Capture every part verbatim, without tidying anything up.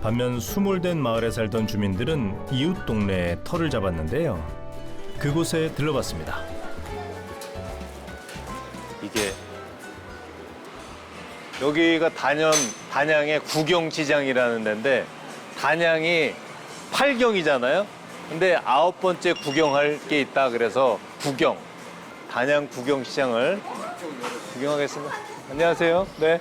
반면 수몰된 마을에 살던 주민들은 이웃 동네에 터를 잡았는데요. 그곳에 들러봤습니다. 이게 여기가 단연 단양의 구경시장이라는 데인데 단양이 팔경이잖아요. 근데 아홉 번째 구경할 게 있다 그래서 구경 단양 구경시장을 구경하겠습니다. 안녕하세요. 네.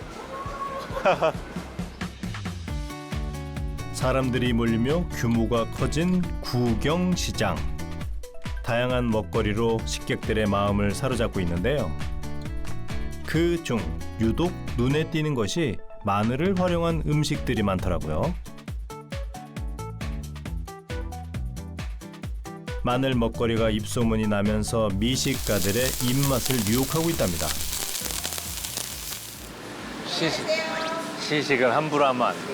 사람들이 몰리며 규모가 커진 구경시장. 다양한 먹거리로 식객들의 마음을 사로잡고 있는데요. 그중 유독 눈에 띄는 것이 마늘을 활용한 음식들이 많더라고요. 마늘 먹거리가 입소문이 나면서 미식가들의 입맛을 유혹하고 있답니다. 시식, 시식을 함부로 하면 안 돼.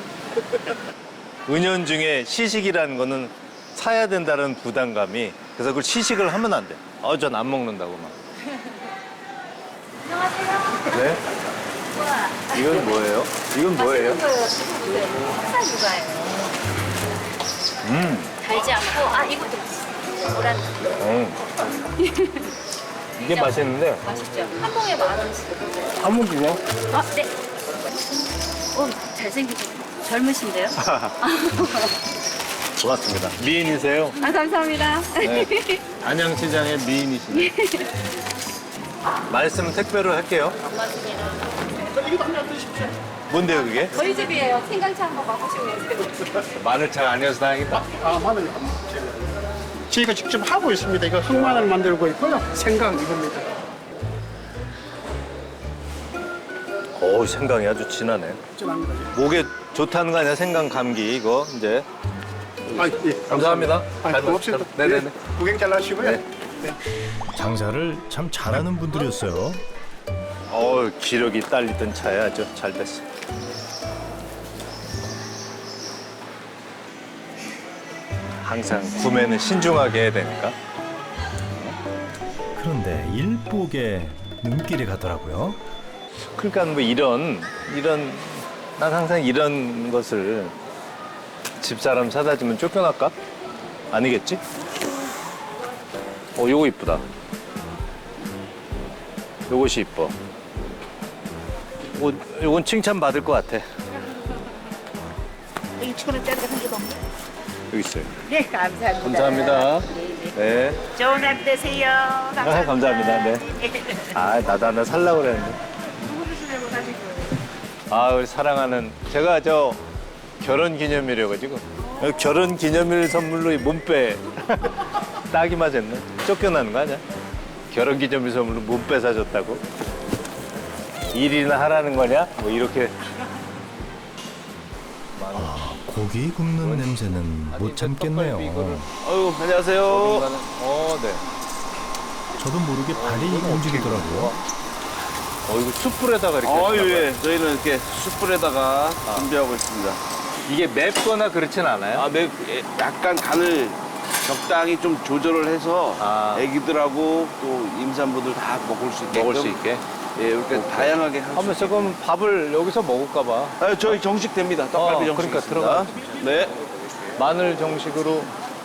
은연중에 시식이라는 거는 사야 된다는 부담감이 그래서 그걸 시식을 하면 안 돼. 어, 전 안 먹는다고 막. 안녕하세요. 네? 우와. 이건 뭐예요? 이건 뭐예요? 흑사 육아예요. 음. 달지 않고, 아, 이것도 맛있어요. 노란. 음. 이게 맛있는데 맛있죠? 한 봉에 만 원씩. 한번 그냥 아, 네. 오, 잘생기고 젊으신데요? 고맙습니다. 미인이세요? 아, 감사합니다. 네. 안양시장의 미인이시네. 말씀은 택배로 할게요. 뭔데요 그게? 저희 집이에요. 생강차 한번 맛보시고 계세요. 마늘차가 아니어서 다행이다. 아, 마늘 저희가 직접 하고 있습니다. 이거 흑마늘 만들고 있고요. 생강 이겁니다. 오, 생강이 아주 진하네. 진합니다. 목에 좋다는 거 아니야? 생강 감기 이거 이제. 아, 예, 감사합니다. 아, 잘 고맙습니다. 먹- 네네네. 네, 구경 잘 하시고요. 네. 네. 장사를 참 잘하는 분들이었어요. 어, 기력이 딸리던 차야 아주 잘 됐어. 항상 구매는 신중하게 해야 되니까. 그런데 일복에 눈길이 가더라고요. 그러니까 뭐 이런 이런 난 항상 이런 것을 집사람 사다 주면 쫓겨날까? 아니겠지? 어, 요거 이쁘다. 요것이 이뻐. 요, 요건 칭찬 받을 것 같아. 이천 원짜리가 한 개도 없네. 여기 있어요. 네, 감사합니다. 감사합니다. 네, 네. 네. 좋은 하루 되세요. 감사합니다. 아, 감사합니다. 네. 아, 나도 하나 살라고 그랬는데. 누구시려고 사신 거예요? 아, 우리 사랑하는 제가 저 결혼 기념일이어 가지고 결혼 기념일 선물로 이 몸빼 딱이 맞았네. 쫓겨나는 거 아니야? 결혼 기념일 선물로 몸빼 사줬다고? 일이나 하라는 거냐? 뭐 이렇게. 아, 고기 굽는 냄새는 못 참겠네요. 아유, 안녕하세요. 어, 네. 저도 모르게 발이 움직이더라고요. 어, 이거 숯불에다가 이렇게. 어, 하시나 봐요. 예. 저희는 이렇게 숯불에다가 준비하고 있습니다. 이게 맵거나 그렇진 않아요? 아, 매, 예, 약간 간을 적당히 좀 조절을 해서 아. 애기들하고 또 임산부들 다 먹을 수 있게 먹을 수 있게. 예, 이렇게 다양하게 할 수 하면서 있게. 그럼 밥을 여기서 먹을까 봐. 아, 저희 정식 됩니다. 떡갈비 어, 정식 그러니까 있습니다. 들어가. 네. 마늘 정식으로.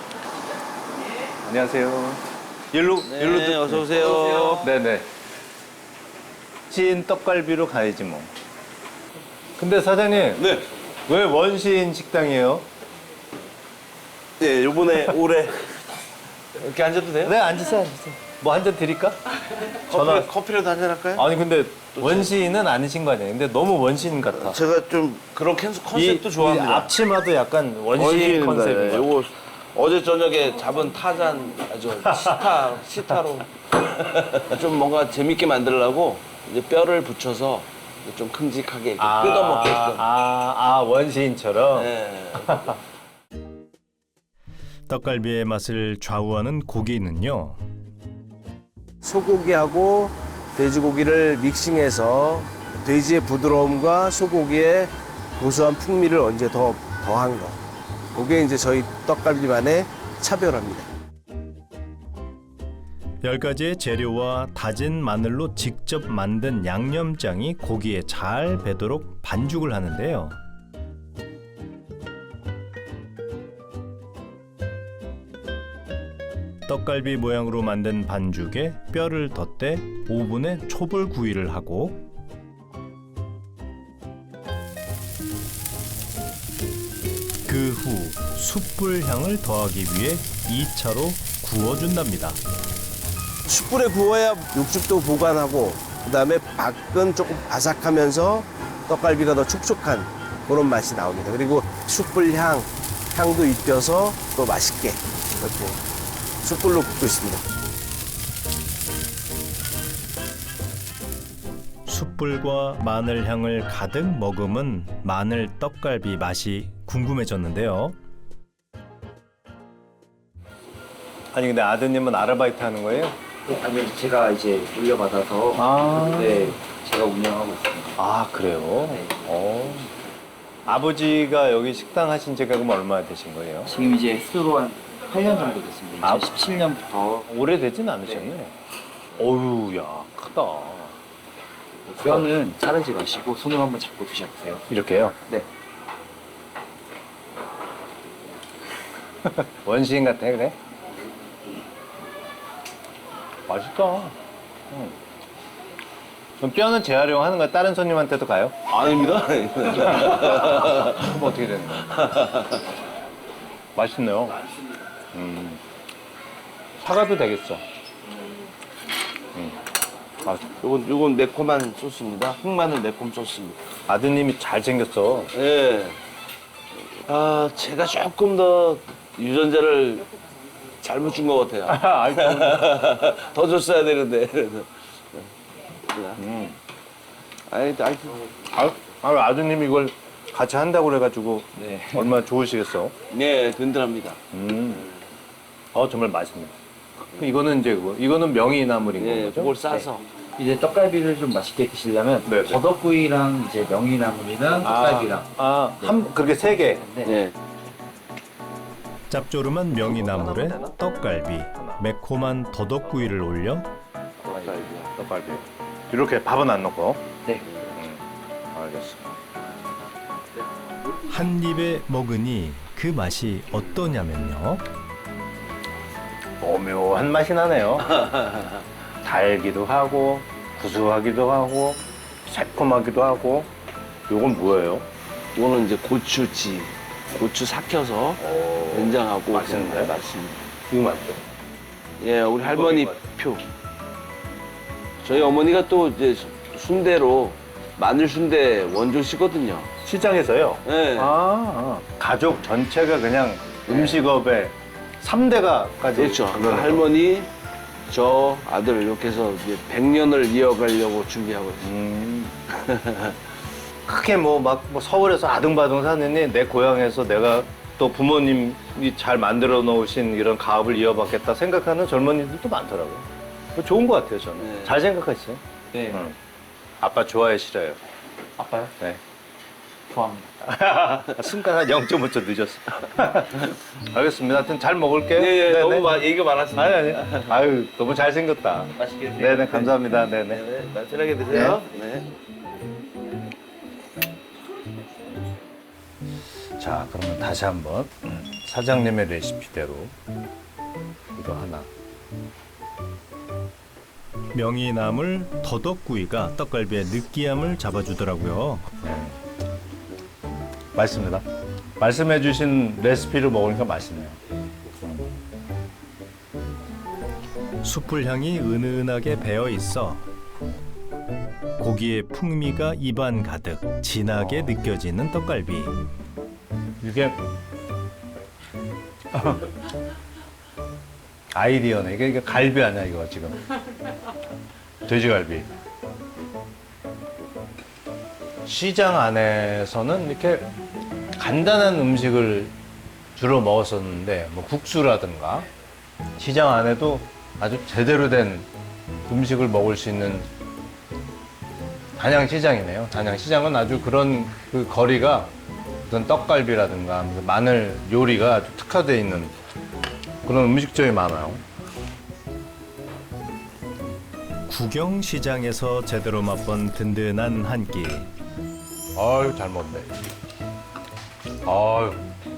안녕하세요. 일로 일로 네, 들- 어서 오세요. 네네. 찐 떡갈비로 가야지 뭐. 근데 사장님 네. 왜 원시인 식당이에요? 네, 요번에 올해 이렇게 앉아도 돼요? 네, 앉으세요, 앉으세요. 뭐 한 잔 드릴까? 전화. 커피, 커피라도 한잔 할까요? 아니 근데 원시인은 아니신 거 아니에요? 근데 너무 원시인 같아. 제가 좀 그런 컨- 컨셉도 이- 좋아합니다. 이 앞치마도 약간 원시인 원시인입니다. 컨셉인 네, 거. 요거 어제 저녁에 잡은 타잔 아주 시타 시타로 좀 뭔가 재밌게 만들려고 이제 뼈를 붙여서 좀 큼직하게 이렇게 뜯어먹게끔. 아, 아, 원시인처럼. 네. 떡갈비의 맛을 좌우하는 고기는요. 소고기하고 돼지고기를 믹싱해서 돼지의 부드러움과 소고기의 고소한 풍미를 언제 더 더한 거. 그게 이제 저희 떡갈비만의 차별화입니다. 열 가지의 재료와 다진 마늘로 직접 만든 양념장이 고기에 잘 배도록 반죽을 하는데요. 떡갈비 모양으로 만든 반죽에 뼈를 덧대 오븐에 초벌 구이를 하고 그 후 숯불 향을 더하기 위해 이 차로 구워준답니다. 숯불에 구워야 육즙도 보관하고 그다음에 밖은 조금 바삭하면서 떡갈비가 더 촉촉한 그런 맛이 나옵니다. 그리고 숯불 향, 향도 입혀서 또 맛있게 이렇게 숯불로 굽고 있습니다. 숯불과 마늘 향을 가득 머금은 마늘 떡갈비 맛이 궁금해졌는데요. 아니 근데 아드님은 아르바이트 하는 거예요? 아니 제가 이제 물려받아서 아, 네 제가 운영하고 있습니다. 아 그래요? 네. 어. 아버지가 여기 식당 하신 지가 그럼 얼마나 되신 거예요? 지금 이제 스스로 한 팔 년 정도 됐습니다. 아. 이천십칠 년부터 오래되진 않으셨네. 어휴, 야, 크다. 뼈는 자르지 마시고 손으로 한번 잡고 드셔보세요. 이렇게요? 네. 원시인 같아, 그래? 맛있다. 응. 그럼 뼈는 재활용하는 거야? 다른 손님한테도 가요? 아닙니다. 그럼 어떻게 되는 거야? 맛있네요. 음. 사가도 되겠어. 음. 아, 요건 요건 매콤한 소스입니다. 흑마늘 매콤 소스입니다. 아드님이 잘생겼어. 예. 아, 제가 조금 더 유전자를 잘못 준 것 같아요. 아이고. 더 줬어야 되는데. 음. 아니, 아니, 아, 아, 아드님이 이걸 같이 한다고 그래가지고 네. 얼마나 좋으시겠어. 네, 든든합니다. 음. 어, 정말 맛있네. 그 이거는 이제 뭐, 이거는 명이나물인 예, 거죠? 그걸 싸서. 이제 떡갈비를 좀 맛있게 드시려면 네, 네. 버섯구이랑 이제 명이나물이랑 떡갈비랑 아, 한 그렇게 세 개. 네. 네. 짭조름한 명이나물에 떡갈비, 매콤한 더덕구이를 올려 떡갈비야, 떡갈비. 이렇게 밥은 안 넣고. 네. 알겠어. 한 입에 먹으니 그 맛이 어떠냐면요. 오묘한 맛이 나네요. 달기도 하고, 구수하기도 하고, 새콤하기도 하고. 이건 뭐예요? 이거는 이제 고추지. 고추 삭혀서 된장하고 맛있는데? 그냥 맛있습니다. 이거 맛있어. 예, 우리 할머니 표. 저희 어머니가 또 이제 순대로 마늘 순대 원조시거든요. 시장에서요? 예. 아, 가족 전체가 그냥 음식업에 삼 대가까지. 그렇죠. 할머니, 저 아들 이렇게 해서 이제 백 년을 이어가려고 준비하고 있어요. 음. 크게 뭐 막 뭐 서울에서 아등바등 사느니 내 고향에서 내가 또 부모님이 잘 만들어 놓으신 이런 가업을 이어받겠다 생각하는 젊은이들도 많더라고요. 뭐 좋은 것 같아요, 저는. 네. 잘 생각하시죠? 네. 응. 아빠 좋아해, 싫어요? 아빠요? 네. 좋아합니다. 순간 한 영 점 오 초 늦었어. 알겠습니다. 하여튼 잘 먹을게요. 예, 예, 네네. 너무 마, 얘기가 많았습니다. 아니, 아니. 아유, 너무 잘생겼다. 맛있게 드세요. 네네, 감사합니다. 네네. 네, 맛있게 드세요. 네. 자, 그러면 다시 한번 사장님의 레시피대로 이거 하나. 명이나물 더덕구이가 떡갈비의 느끼함을 잡아주더라고요. 맛있습니다. 말씀해주신 레시피를 먹으니까 맛있네요. 숯불 향이 은은하게 배어 있어 고기의 풍미가 입안 가득 진하게 느껴지는 떡갈비. 이게 아이디어네. 이게, 이게 갈비 아니야 이거 지금. 돼지갈비. 시장 안에서는 이렇게 간단한 음식을 주로 먹었었는데 뭐 국수라든가 시장 안에도 아주 제대로 된 음식을 먹을 수 있는 단양시장이네요. 단양시장은 아주 그런 그 거리가 어떤 떡갈비라든가 마늘 요리가 아주 특화되어 있는 그런 음식점이 많아요. 구경시장에서 제대로 맛본 든든한 한 끼. 아유 잘 먹네. 아유